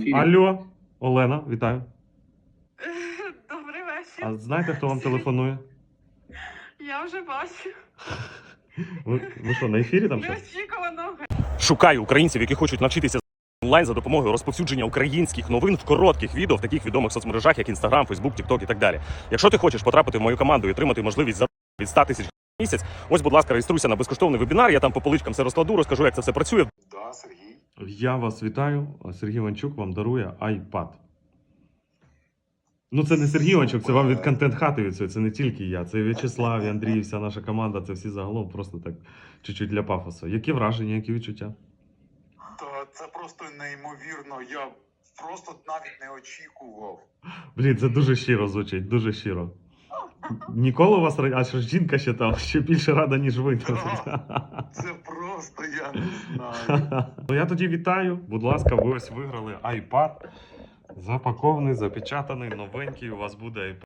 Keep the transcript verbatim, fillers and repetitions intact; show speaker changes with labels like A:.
A: ефірі.
B: Алло, Олена, вітаю.
C: Добрий вечір.
B: А знаєте, хто вам телефонує?
C: Я вже бачу.
B: Ви, ви що, на ефірі там щось?
C: Неочікувано.
D: Шукаю українців, які хочуть навчитися онлайн за допомогою розповсюдження українських новин в коротких відео в таких відомих соцмережах, як Instagram, Facebook, TikTok і так далі. Якщо ти хочеш потрапити в мою команду і отримати можливість заробити від ста тисяч в місяць, ось, будь ласка, реєструйся на безкоштовний вебінар, я там по поличкам все розкладу, розкажу, як це все працює.
A: Да, Сергій.
B: Я вас вітаю. Сергій Ванчук вам дарує iPad. Ну, це не Сергій Ванчук, це вам від контент-хати від цього. Це не тільки я. Це і В'ячеслав, і Андрій, вся наша команда. Це всі загалом просто так чуть-чуть для пафосу. Які враження, які відчуття?
A: Та це просто неймовірно. Я просто навіть не очікував.
B: Блін, це дуже щиро звучить, дуже щиро. Ніколи у вас, а що ж жінка ще там, ще більше рада, ніж ви.
A: Це просто я не знаю.
B: Ну, я тоді вітаю. Будь ласка, ви ось виграли iPad. Запакований, запечатаний, новенький. У вас буде iPad.